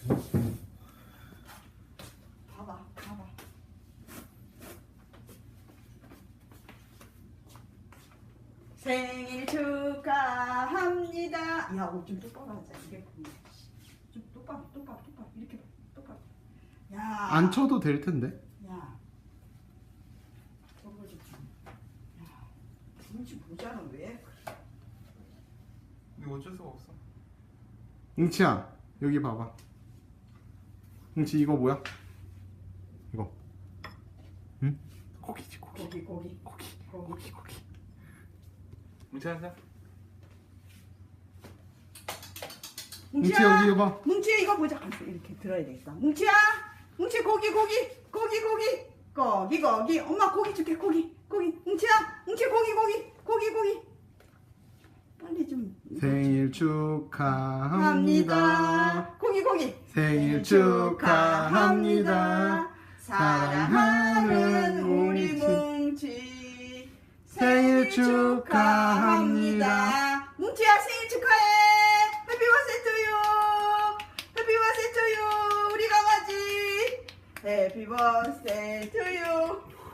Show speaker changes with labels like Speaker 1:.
Speaker 1: 봐봐. 생일 축하합니다. 야, 옷 좀 똑바로 하자. 이게 좀 똑바로 이렇게 똑바로. 야,
Speaker 2: 안 쳐도 될 텐데.
Speaker 1: 야, 저거 좀. 야, 눈치 보자는 왜?
Speaker 3: 근데 어쩔 수가 없어.
Speaker 2: 응치야, 여기 봐봐. 응치, 이거 뭐야? 이거. 응? 고기지, 고기.
Speaker 1: 고기.
Speaker 3: 뭉치 앉아.
Speaker 2: 뭉치 여기 봐.
Speaker 1: 뭉치야 이거 보자. 이렇게 들어야 되겠다. 뭉치야, 뭉치 고기. 엄마 고기 줄게. 고기. 뭉치야, 뭉치 고기. 빨리 좀.
Speaker 2: 생일 축하합니다.
Speaker 1: 고기.
Speaker 2: 생일 축하합니다.
Speaker 1: 사랑하는 우리 뭉치.
Speaker 2: 생일 축하합니다.
Speaker 1: 뭉치야 생일 축하해. 해피 버스데이 투유. 우리 강아지. 해피 버스데이 투유.